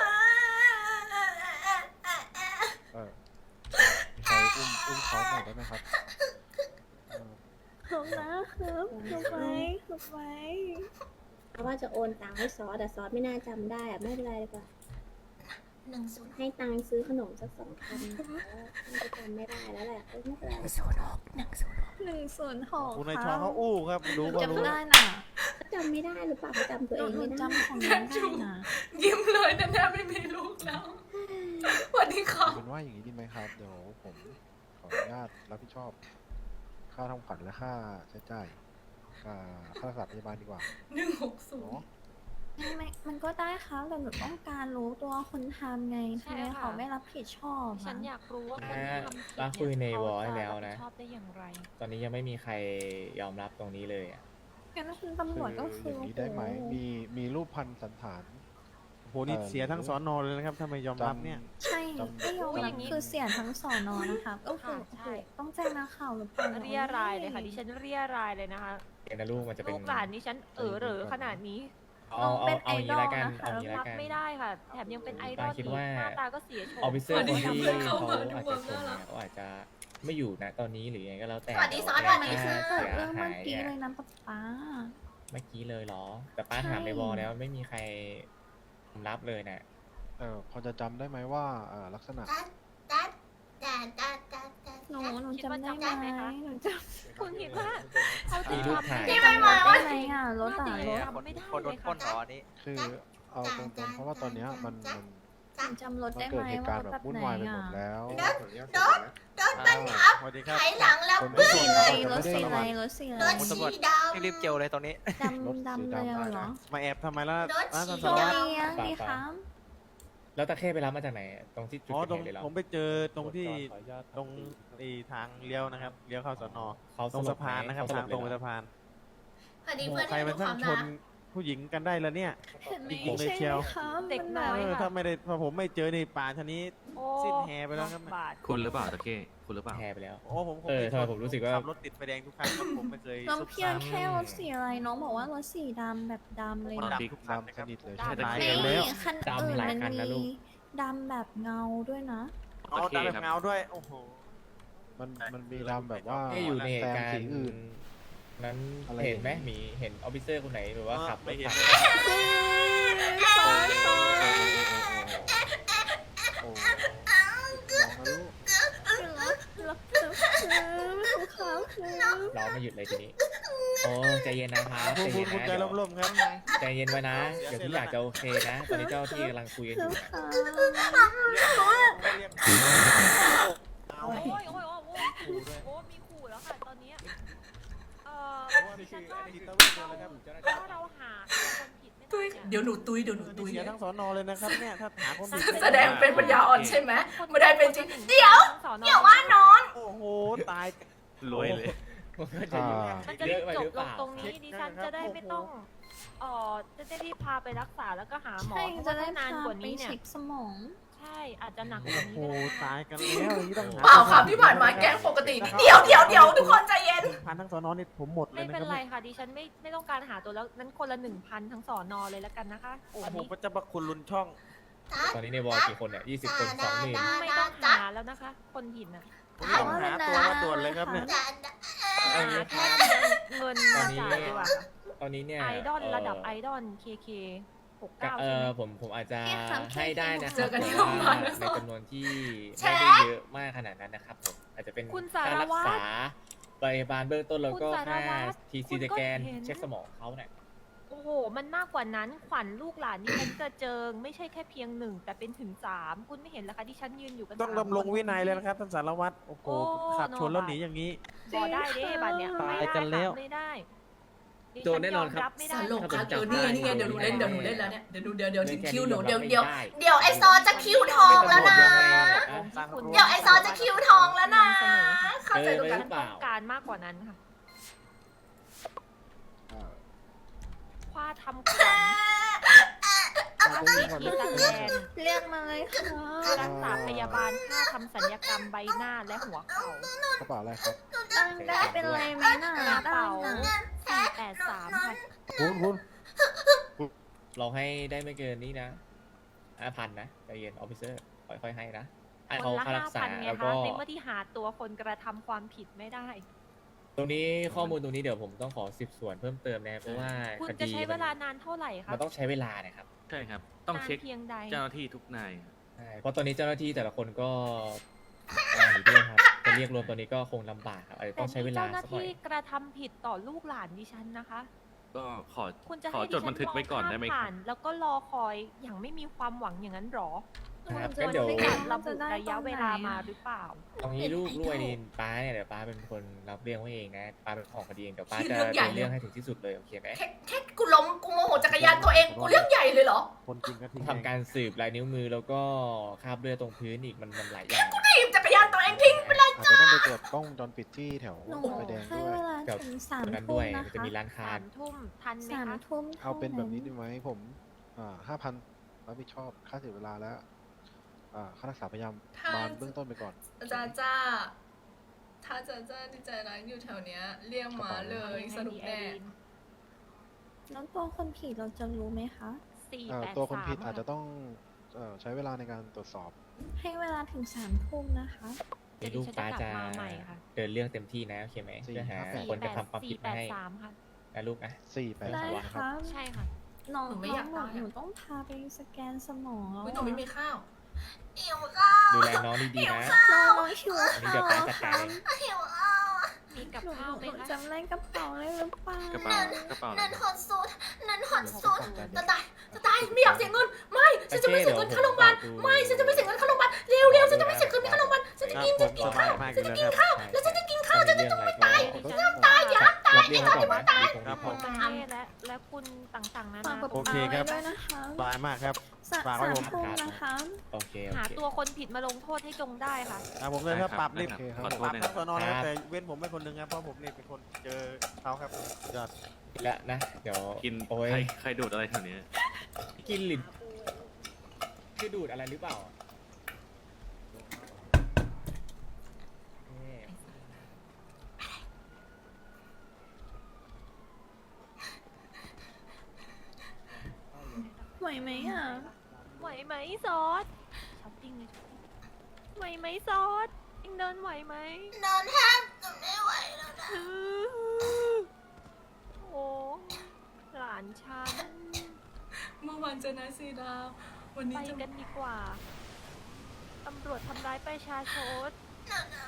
Speaker 7: เออมีใครอุ้มอุ้มเขาหน่อยได้ไหมครับเออ
Speaker 4: หลงนะครับหลงไหมหลงไหม
Speaker 9: เพราะว่าจะโอนตังค์ให้ซอสแต่ซอสไม่น่าจำได้อะไม่เป็นไรดีกว่า
Speaker 2: หนึ่งศูนย์
Speaker 9: ให้ตังค์ซื้อขนมสักสองพันนะคะน่าจะจำไม่ได้แล้วแหละเออไม่เป็นไร
Speaker 2: ศูนย์หกหนึ่งศูนย์หก
Speaker 4: หนึ่งศูนย์หก
Speaker 3: คุณนายชอเขาอู้ครับรู้ว่ารู้
Speaker 4: จำได้น่ะ
Speaker 9: จำไม่ได้หรือเปล่าเขาจำตัว
Speaker 4: ห
Speaker 9: เอง
Speaker 4: นู
Speaker 9: ไม่ได้
Speaker 4: จำของน้องได้นะ
Speaker 2: ยิ้มเลยนะเนี่ยไม่มีลูกแล้วสวัสดีค่ะ
Speaker 7: เอาเป็นว่าอย่างนี้ดีไหมครับ เดี๋ยวผมขออนุญาตรับผิดชอบ ค่าทำขวัญและค่าใช้จ่ายค่าค่ารักษาพยาบาลดีกว่า
Speaker 2: หนึ่งหกศูน
Speaker 7: เนาะ
Speaker 2: ย์
Speaker 4: ไม่ไม่มันก็ได้ครับแต่หนูต้องการรู้ตัวคนทำไง
Speaker 5: ใช่
Speaker 4: ทำไม
Speaker 5: ค่ะ
Speaker 4: เขาไม่รับผิดชอบ
Speaker 5: ฉั
Speaker 4: อะ
Speaker 5: นอยากรู้ว่าคน
Speaker 1: อ่า
Speaker 5: ที่ทำผิด
Speaker 1: เราคุยในวอลให้แล้วนะ
Speaker 5: ชอบได้อย่างไร
Speaker 1: ตอนนี้ยังไม่มีใครยอมรับตรงนี้เลยอะ
Speaker 4: งั้นคุณตำรวจก็
Speaker 7: คื
Speaker 4: คือ อ
Speaker 7: อย่างนี้ได้ไหม
Speaker 4: โอ้โ
Speaker 7: มีมีรูปพันสันฐาน
Speaker 3: โอ้โหนี่เสียทั้งสอนอเลยนะครับถ้าไม่ยอมรับเนี่ย
Speaker 4: ใช่
Speaker 7: จำ
Speaker 4: ไม่ยอม
Speaker 5: จำ
Speaker 4: รับคือเสียทั้งสอนอนะคะก็คือ
Speaker 5: ค่ะใช่
Speaker 4: โอ้โหต้องแจ้งนักข่าวหรือเปล่า
Speaker 5: เรียรายเลยค่ะดิฉันเรียรายเลยนะคะ
Speaker 1: เดี๋ยวนะลูกมันจะเป็น
Speaker 5: ลูกหลานดิฉันเออเหรอขนาดนี้
Speaker 1: เอาเอาเอาอย่างนี้ละกันเอาอย่างนี้
Speaker 5: รั
Speaker 1: ละ
Speaker 5: บ
Speaker 1: กัน
Speaker 5: ไม่ได้ค่ะ แถมยังเป็นไอดอล
Speaker 1: คิด
Speaker 5: อีก
Speaker 1: ว่า
Speaker 5: หน้าตาก็เสียโฉ
Speaker 1: ออฟฟิเซอร์คนที่
Speaker 2: สวัสดีครับ
Speaker 1: เขาอาจจะชนเนี่ยเขาอาจจะไม่อยู่นะตอนนี้หรือยังไงก็แล้วแต่
Speaker 2: สวัสดีซอส
Speaker 1: แต่
Speaker 2: สวัสดี
Speaker 1: ค่า
Speaker 2: ค่ะ
Speaker 4: เกิดเรื่อง
Speaker 1: หา
Speaker 4: เมื่อย กี้
Speaker 1: เนี่ย
Speaker 4: เลยนะป๊าป๊า
Speaker 1: เมื่อกี้เลยเหรอ แต่ป้า
Speaker 4: ใช่
Speaker 1: ถามในวอลแล้วไม่มีใครยอมรับเลยนะ
Speaker 7: เออพอจะจำได้ไหมว่าเอ่อลักษณะ
Speaker 2: จัดจัดจัดจัดจัดจัด
Speaker 4: หนูหนู
Speaker 5: คิดว่า
Speaker 4: จำได้
Speaker 5: จำได้
Speaker 4: ไห
Speaker 5: ไห
Speaker 4: ม
Speaker 5: มคะ
Speaker 4: หนูจ
Speaker 5: คุณคิดว่าเขาจะ
Speaker 1: มีรูป
Speaker 5: ทำ
Speaker 1: ถ่าย
Speaker 2: ที่
Speaker 4: ำ
Speaker 2: ไม่
Speaker 4: จำ
Speaker 2: มา
Speaker 4: ได้
Speaker 2: ว่า
Speaker 4: ไหมอ่ะรถอ่ะรถ
Speaker 5: จำไม่ได้
Speaker 10: คนโด
Speaker 5: เล
Speaker 10: น
Speaker 5: ย
Speaker 10: ปล้นเหร
Speaker 5: ค่ะ
Speaker 10: ออันนี้
Speaker 7: คือเอาตรงๆเพราะว่าตอนเนี้ยมันมัน
Speaker 4: หนูจำรถ
Speaker 7: มัน
Speaker 4: ได้
Speaker 7: เกิ
Speaker 4: ไหม
Speaker 7: ดเหตุ
Speaker 4: ว่า
Speaker 7: การณ์
Speaker 4: รถ
Speaker 7: แบบ
Speaker 4: แบบ
Speaker 7: วุ่น
Speaker 4: ไหน
Speaker 7: วายไปหม
Speaker 4: อ่ะ
Speaker 7: ดแล้ว
Speaker 2: โดนโดนบังคับ
Speaker 3: สวัสดีครับ
Speaker 2: ไถหลังแล้ว
Speaker 7: คน
Speaker 2: ปึ้
Speaker 7: ไม่
Speaker 2: ง
Speaker 7: ส่วน
Speaker 4: สี
Speaker 7: เรา
Speaker 4: อะไรรถ
Speaker 7: จะ
Speaker 4: สี
Speaker 7: ไม่
Speaker 4: อะ
Speaker 7: ได้
Speaker 4: ไร
Speaker 7: ระวัง
Speaker 4: รถสีอะ
Speaker 2: ร
Speaker 4: ไร
Speaker 2: ถ
Speaker 10: คุณตำรวจ
Speaker 2: สีดำ
Speaker 10: รีบเจียวเลยตรงนี้
Speaker 4: ดำดำเลยอะเหรอ
Speaker 3: มาแอบทำไมล่ะ
Speaker 2: รถ
Speaker 3: ร้าน
Speaker 2: ฉี่
Speaker 3: ส
Speaker 4: โช
Speaker 3: อน
Speaker 4: ว์
Speaker 3: อ
Speaker 4: เลี้ยงดีครับ
Speaker 1: แล้วตะเข้ไปรับมาจากไหน ตรงที่จุด
Speaker 3: อ๋อ
Speaker 1: เกิด
Speaker 3: ตรง
Speaker 1: เหตุเลยเหรอ
Speaker 3: ผมไปเจอตรงที่ตรงไอ้ทางเลี้ยวนะครับเลี้ยวเข้าสอนอ
Speaker 1: เขา
Speaker 3: ตรงสะพานนะครับ
Speaker 1: เข
Speaker 3: ทางตรงไป
Speaker 1: เลยเหอ
Speaker 3: สะพาน
Speaker 2: พอดี
Speaker 3: โอ้โห
Speaker 2: เพื่อน
Speaker 3: ใคร
Speaker 2: ให้
Speaker 3: มั
Speaker 2: ดู
Speaker 3: น
Speaker 2: ค
Speaker 3: ช่าว
Speaker 2: าง ม
Speaker 3: ช
Speaker 2: รั
Speaker 3: น
Speaker 2: ก
Speaker 3: ผู้หญิงกันได้แล้วเนี่ย
Speaker 4: เห็นไหม
Speaker 3: จริงๆเลยเชียว
Speaker 4: ใช่ไหมครับ
Speaker 5: เด็ก
Speaker 4: มัน
Speaker 5: น้
Speaker 4: แบ
Speaker 5: อย
Speaker 3: เออ
Speaker 5: ค่ะ
Speaker 3: ถ้าไม่ได้พอผมไม่เจอในป่าชะนี้
Speaker 5: โอ้
Speaker 3: สิ้นแฮไปแล้วครับ
Speaker 5: บาท
Speaker 10: คุณหรือเปล่าตะเก้คุณหรือเปล่า
Speaker 1: แพ้ไปแล้ว
Speaker 3: โอ้ผมผม
Speaker 1: เออ
Speaker 3: ป็น
Speaker 1: ทำไม
Speaker 3: คน
Speaker 1: ผมรู้สึกว่า
Speaker 3: ขับรถติดไฟแดงทุกครั้งครับผมไม่เคย
Speaker 4: น้อง
Speaker 3: ซุก
Speaker 4: เพีย
Speaker 3: ซ่าง
Speaker 4: แค่รถสีอะไรน้องบอกว่ารถสีดำแบบดำเลย
Speaker 3: คน
Speaker 4: นะ
Speaker 3: ดำทุกคัน
Speaker 7: ดำ
Speaker 3: นะ
Speaker 7: ส
Speaker 3: ครับ
Speaker 7: นิทเลย
Speaker 5: ใช่
Speaker 3: ตาย
Speaker 4: ไม่
Speaker 3: กันแล้ว
Speaker 4: คัน
Speaker 1: ดำ
Speaker 4: อื่น
Speaker 1: หลาย
Speaker 4: มัน
Speaker 1: คันนะ
Speaker 4: มี
Speaker 1: ลูก
Speaker 4: ดำแบบเงาด้วยนะ
Speaker 3: เอาตาแบบเงาด้วยโอ้โห
Speaker 7: มันมันมีดำแบบว่า
Speaker 1: ไม่อยู่ในเหตุการ
Speaker 7: แซมสี
Speaker 1: ณ์
Speaker 7: อื่น
Speaker 1: นั้น
Speaker 7: อะไร
Speaker 1: เห็นไหม
Speaker 7: อย่างนี้
Speaker 1: มีเห็นออฟฟิเซอร์คนไหนหรือว่าขับร
Speaker 3: ไม่
Speaker 1: ถ
Speaker 3: เห็น
Speaker 1: ผ่าน
Speaker 3: เลย
Speaker 4: ซอสซอส
Speaker 7: โอ้โหน้องนะลูก
Speaker 4: รักรักรักไม่ถูกเขาเลย
Speaker 1: ร้องไม่หยุดเลยทีนี้ โอ้ใจเย็นนะครับ
Speaker 3: พู
Speaker 1: ใจ
Speaker 3: ดพู
Speaker 1: เย็
Speaker 3: ด
Speaker 1: น
Speaker 3: พูด
Speaker 1: นะ
Speaker 3: ใจ
Speaker 1: เดี๋ยว
Speaker 3: ร่มๆครับ
Speaker 1: ใจเย็นไว้นะ เดี๋ยวทุกอย่างจะโอเคนะ ตอนนี้เจ้าที่กำลังคุยกันอ
Speaker 4: คื
Speaker 1: ยู่
Speaker 4: อ
Speaker 1: นะ
Speaker 4: เขา
Speaker 3: เอา
Speaker 5: โอ้ยโอ้ยโอ้ยโอ้ยโอ้ยมีขู่แล้วค่ะตอนนี้เอ่อดิฉันว่า
Speaker 3: ที่
Speaker 5: เรา
Speaker 3: ตำรวจเจอแล้วครับ
Speaker 5: ถ้าเราหาคนผิดไม่
Speaker 2: ตุยเดี๋ยวหนูตุยเดี๋ยวหนูตุย
Speaker 3: เสียทั้งสอนอเลยนะครับเนี่ยถ้าหาคนผิด
Speaker 2: แสดงเป็นปัญญาอ่อนใช่ไหมไม่ได้เป็นจริงเดี๋ยว
Speaker 5: สอนอ
Speaker 2: เดี๋ยวว่าน้อง
Speaker 3: โอ้โหตาย
Speaker 10: รวยเลย
Speaker 1: มันก็จะ
Speaker 7: อ่า
Speaker 5: มันจะ
Speaker 1: เย
Speaker 5: ได้
Speaker 1: อะไป
Speaker 5: จ
Speaker 1: ห
Speaker 5: บ
Speaker 1: รือเป
Speaker 5: ลง
Speaker 1: ล่า
Speaker 5: ตรงนี้ดิฉันจะได้ไม่ต้องเอ่อจะได้รีบพาไปรักษาแล้วก็หาหมอ
Speaker 4: ใช่
Speaker 5: เพ
Speaker 4: จะ
Speaker 5: ราะ
Speaker 4: ได้
Speaker 5: ว่าถ้านาน
Speaker 4: พาก
Speaker 5: ว่า
Speaker 4: ไป
Speaker 5: นี้เนี่ย
Speaker 4: เช็คสมอง
Speaker 5: ใช่อาจจะหนักก
Speaker 3: โอ้
Speaker 5: ว่า
Speaker 3: โห
Speaker 5: นี้ก็ได้
Speaker 3: ตายกันแล้วอย่างนี้ต้องหา
Speaker 2: เปล่าครับที่ผ่านมาแก๊งปกติ เดี๋ยวเดี๋ยวเดี๋ยวทุกคนใจเย็น
Speaker 3: พันทั้งสอนอนี่ผมหมดเล
Speaker 5: ไม่
Speaker 3: ยนะ
Speaker 5: เป็น
Speaker 3: ครับ
Speaker 5: ไรค่ะดิฉันไม่ไม่ต้องการหาตัวแล้วนั้นคนละหนึ่งพันทั้งสอนอเลยแล้วกันนะคะโอ้
Speaker 3: โอ้โห
Speaker 5: นี่
Speaker 3: พระเจ้าพระคุณลุนช่อง
Speaker 1: ตอนนี้ในวอลกี่คนเนี่ยยี่สิบคนสองหมื่น
Speaker 5: ไม่ต้องหาแล้วนะคะ คนผิดน่ะ
Speaker 3: ผมต้องหาตัวมาด่วนเลยครับเนี่ย
Speaker 5: หาแค่เงินมาจ่ายดีกว่าค่ะ
Speaker 1: ตอนนี้เนี่ย
Speaker 5: ไอดอลระดับไอดอลเคเคหก
Speaker 1: ก็
Speaker 5: เก้า
Speaker 1: เอ
Speaker 5: ใช่ไห
Speaker 1: อ
Speaker 5: ม
Speaker 1: ผมผมอาจจะ
Speaker 4: เอ๊ะครับ
Speaker 1: ให้ได้นะค
Speaker 2: เจ
Speaker 1: รับ
Speaker 2: อกันที่
Speaker 1: แต่
Speaker 2: โรงพยาบา
Speaker 1: ว่า
Speaker 2: ลนะ
Speaker 1: ในจำนวนที่
Speaker 2: แช
Speaker 1: ไม่
Speaker 2: ร์
Speaker 1: ได้เยอะมากขนาดนั้นนะครับผมอาจจะเป็น
Speaker 5: คุณสา
Speaker 1: การ
Speaker 5: ร
Speaker 1: รัก
Speaker 5: วัตร
Speaker 1: ษาพยาบาลเบื้องต้นแล้วก็
Speaker 5: คุณสาร
Speaker 1: ค่า
Speaker 5: วัตร
Speaker 1: ที
Speaker 5: คุ
Speaker 1: ซี
Speaker 5: ณก็
Speaker 1: สแกน
Speaker 5: เห็น
Speaker 1: เช็คสมองเขาเนี่ย
Speaker 5: โอ้โห มันมากกว่านั้นขวัญลูกหลานดิฉันกระเจิง ไม่ใช่แค่เพียงหนึ่งแต่เป็นถึงสามคุณไม่เห็นเหรอคะที่ฉันยืนอยู่กัน
Speaker 3: ต้อง
Speaker 5: สาม
Speaker 3: ดำรง
Speaker 5: ค
Speaker 3: วินัยเลยนะครับท่านสารวัตรโอ้โห
Speaker 5: โอ้
Speaker 3: ขับชนแล้ว
Speaker 5: โนบา
Speaker 3: หนีอย่างนี้
Speaker 5: บอได้เด้บัตรเนี่ย
Speaker 3: ตาย
Speaker 5: ไม่ได้
Speaker 3: กันแล้ว
Speaker 5: ค่ะไม่ได้ดิ
Speaker 10: โดนแน่นอนครับ
Speaker 5: ฉัยมไม่
Speaker 2: ส
Speaker 5: ได้
Speaker 2: ลบครับเออนี่ไงนี่ไงเดี๋ยวหนูเล่นเดี๋ยวหนูเล่นแล้วเนี่ยเดี๋ยวดูเดี๋ยวเดี๋ยวถึงคิวหนู
Speaker 1: เล่
Speaker 2: เดี๋ยวน
Speaker 1: แค่
Speaker 2: เดี๋ยว
Speaker 1: นี้
Speaker 2: เดี๋ยวไอซอจะคิวทองแล้วนะ
Speaker 3: สร้างครอบครัว
Speaker 2: เดี๋ยวไอซอจะคิวทองแล้วนะ
Speaker 5: เสนอค่ะ
Speaker 2: เข้าใจตรง
Speaker 1: เอ
Speaker 2: กั
Speaker 1: อ
Speaker 2: น
Speaker 5: ฉันต้องการมากกว่านั้นค่ะ
Speaker 7: อ่า
Speaker 5: คว้าทำขวัญค่าซีทีสแกน
Speaker 4: เรียกมาเลยค่ะ
Speaker 5: รักษาพยาบาลค่าทำศัลยกรรมใบหน้าและหัวเข่าก
Speaker 7: ระเป๋าอะไรครับ
Speaker 4: ตั้งได้เป็นไรไหมน่ะ
Speaker 5: กระเป๋า
Speaker 4: ได้นะ
Speaker 5: สี่แปดสามค่ะ
Speaker 3: คุณคุณ
Speaker 1: เราให้ได้ไม่เกินนี้นะห้าพันนะใจเย็นออฟฟิเซอร์ค่อยๆให้นะไอ้
Speaker 5: ค
Speaker 1: เอา
Speaker 5: นละ
Speaker 1: ค่ารั
Speaker 5: ห้าก
Speaker 1: ษา
Speaker 5: พันไง
Speaker 1: แล้ว
Speaker 5: คะ
Speaker 1: ก็
Speaker 5: ในเมื่อที่หาตัวคนกระทำความผิดไม่ได้
Speaker 1: ตรงนี้ข้อมูลตรงนี้เดี๋ยวผมต้องขอสืบสวนเพิ่มเติมนะเพราะว่า
Speaker 5: คุณ
Speaker 1: ค
Speaker 5: จะ
Speaker 1: ดี
Speaker 5: ใช้เวลานานเท่าไหร่คะ
Speaker 1: มันต้องใช้เวลานะครับ
Speaker 10: ใช่ครับ ต้องเช็ค
Speaker 5: นานเพียงใด
Speaker 10: เจ้าหน้าที่ทุกนายครับ
Speaker 1: ใช่เพราะตอนนี้เจ้าหน้าที่แต่ละคนก็หนีด้วยครับจะเรียกรวมตัวนี้ก็คงลำบากครับอาจจะ
Speaker 5: แต่
Speaker 1: ต้องใช้เว
Speaker 5: นี่
Speaker 1: ลา
Speaker 5: เจ้าหน้า
Speaker 1: สักหน่อ
Speaker 5: ที่
Speaker 1: ย
Speaker 5: กระทำผิดต่อลูกหลานดิฉันนะคะ
Speaker 10: ก็ขอ
Speaker 5: คุณจะ
Speaker 10: ขอ
Speaker 5: ให้
Speaker 10: จดบันทึกไว้ก่อนได้ไหมค
Speaker 5: ผ่า
Speaker 10: รับ
Speaker 5: นแล้วก็รอคอยอย่างไม่มีความหวังอย่างนั้นหรอ
Speaker 1: นะครับ
Speaker 5: คว
Speaker 1: งั้
Speaker 5: ร
Speaker 1: นเดี๋ยว
Speaker 5: จะระบุระยะเวลามาหรือเปล่า
Speaker 1: ตรงนี้ลูกลูกไอรีนป้าเนี่ยเดี๋ยวป้าเป็นคนรับเรื่องไว้เองนะป้าเป็นของคดีเองเดี๋ยวป้า
Speaker 2: ที่
Speaker 1: จะ
Speaker 2: เรื่องใหญ่
Speaker 1: เดินเรื่องให้ถึงที่สุดเลยโอเคไหม
Speaker 2: แค่แค่กูล้มกูโมโหจักรยานตัวเองกูเรื่องใหญ่เลยเหรอ
Speaker 3: คนจริงก็ทิ้ง
Speaker 1: ทำการสืบลายนิ้วมือแล้วก็คราบเลือดตรงพื้นอีกมันมันหลายอย่าง
Speaker 2: ถีบจักรยานตัวเองทิ้งไปเลย
Speaker 7: อาจจะต้องไปตรวจกล้องวงจรปิดที่แถว
Speaker 4: หนู
Speaker 7: ไฟแดง
Speaker 4: ให้
Speaker 7: ด้วย
Speaker 4: เวลา
Speaker 1: กับ
Speaker 4: ถึงสาม
Speaker 1: ตรงนั้น
Speaker 4: ทุ่
Speaker 1: ด้
Speaker 4: ม
Speaker 1: วย
Speaker 4: นะ
Speaker 1: มันจะ
Speaker 4: คะ
Speaker 1: มีร้านค้า
Speaker 5: สามทุ่มทันไหม
Speaker 4: สาม
Speaker 5: คะ
Speaker 4: ทุ่ม
Speaker 7: เอาเป็นแบบนี้
Speaker 4: ท่
Speaker 7: ได้ไหมผม อ่าห้าพันรับผิดชอบค่าเสียเวลาแล้ว อ่าค่ารักษาพยาบาลเบื้องต้นไปก่อน
Speaker 2: จ้าจ้าถ้าจ้าจ้าที่ใจร้ายอยู่แถวเนี้ยเรียกมาเลยสนุกแน่
Speaker 4: แล้วตัวคนผิดเราจะรู้ไหมคะ
Speaker 5: สี่
Speaker 7: เอ่อ
Speaker 5: แปด
Speaker 7: ตัวคน
Speaker 5: สาม
Speaker 7: ผิดอาจจะต้องเอ่อใช้เวลาในการตรวจสอบ
Speaker 4: ให้เวลาถึงสามทุ่มนะคะ
Speaker 1: นี่ลูกป้าจะเดินเรื่องเต็มที่นะโอเคไหม
Speaker 7: สี่
Speaker 1: เพื่อหา
Speaker 7: ครับ
Speaker 1: คนกระทำความผิดมาให้
Speaker 5: สี่แปดสามค่ะ
Speaker 1: นะลูกนะ
Speaker 7: สี่แปด
Speaker 4: ได้
Speaker 7: สามนะค
Speaker 4: ครับ รับ
Speaker 5: ใช่ค่ะ
Speaker 4: น้อง
Speaker 2: หนูไม่
Speaker 4: น้
Speaker 2: อ
Speaker 4: อย
Speaker 2: าง ก
Speaker 4: หนู
Speaker 2: ตายอะ
Speaker 4: หนูต้องพาไปสแกนสมองแล้ว
Speaker 2: อุ๊ยหนูไม่มีข้าวหิว
Speaker 1: ดูแลน้องดีๆนะ
Speaker 4: น้องหิว
Speaker 1: อันนี้
Speaker 4: ข้า
Speaker 1: เดี๋ยว
Speaker 4: ว
Speaker 1: ป้าจัด
Speaker 4: ค
Speaker 1: การ
Speaker 4: รับ
Speaker 1: เอง
Speaker 2: หิวข้าว
Speaker 5: มีกับ
Speaker 4: หนู
Speaker 5: ข้าวไหม
Speaker 4: หนู
Speaker 5: คะ
Speaker 4: จำได้กระเป๋าเลยหรือเปล่าก
Speaker 10: ระเป๋ากระเป๋าอะไร
Speaker 2: นั่น
Speaker 10: ค
Speaker 2: ฮ
Speaker 10: รับ
Speaker 2: อตสุดนั่นฮอตสุดจะตายจะตายไม่อยากเสียเงินไม่ฉันจะไม่เสียเงินค่าโรงพยาบาลไม่ฉันจะไม่เสียเงินค่าโรงพยาบาลเร็วเร็วฉันจะไม่เสียเงินค่าโรงพยาบาลฉันจะ
Speaker 3: ครับ
Speaker 2: กิน
Speaker 3: ผ
Speaker 2: จะ
Speaker 3: ม
Speaker 2: กิ
Speaker 3: ส
Speaker 2: น
Speaker 3: บา
Speaker 2: ข้า
Speaker 3: ยว มากเลยนะครับ
Speaker 2: แล้วฉันจะกินข้าว
Speaker 1: ถ้ามีเรื่องอะไรก็
Speaker 5: ดิฉันตาย
Speaker 1: รับรับเรื่องไว้ก่อนนะมีคง
Speaker 3: ครับผม
Speaker 5: ประเทศและและคุณต่างๆนา
Speaker 4: ฝาก
Speaker 5: นา
Speaker 4: กระ
Speaker 3: โอ
Speaker 4: เป๋า
Speaker 3: เคครับ
Speaker 4: ไว้ด้วยนะคะ
Speaker 3: สบายมากครับ
Speaker 4: สะ
Speaker 3: ฝากไว้
Speaker 4: สาม
Speaker 3: ผม
Speaker 4: ทุ่มนะคะ
Speaker 1: โอเคโอ
Speaker 5: หา
Speaker 1: เค
Speaker 5: ตัวคนผิดมาลงโทษให้จงได้ค่ะ
Speaker 3: อ่าผมเลยครับปรับรีบ
Speaker 10: ได้
Speaker 7: ครับ
Speaker 10: ขอโท
Speaker 3: ป
Speaker 10: ษ
Speaker 3: รับ
Speaker 10: นะค
Speaker 3: ทั้
Speaker 10: รับ
Speaker 3: งสอนอนะครับแต่เว้นผมไม่คนหนึงครับเพราะผมนี่เป็นคนเจอเขาครับยอด
Speaker 1: และนะเดี๋ยว
Speaker 10: กิน
Speaker 1: โอ้ย
Speaker 10: ใครใครดูดอะไรแถวเนี้ย
Speaker 1: กินลิ้นคือดูดอะไรหรือเปล่านี่
Speaker 4: ไหวไหมอ่ะ
Speaker 5: ไหวไหมซอสช้อปปิ้งเลยช้อปปิ้งไหวไหมซอสเองเดินไหวไหม
Speaker 2: นอนแทบจะไม่ไหวแล้วนะ
Speaker 5: โอ้หลานฉัน
Speaker 2: เมื่อวานเจอนาซีดาววัน
Speaker 5: ไป
Speaker 2: นี้จะ
Speaker 5: กันดีกว่า ตำรวจทำร้ายประชาชน
Speaker 2: หนาว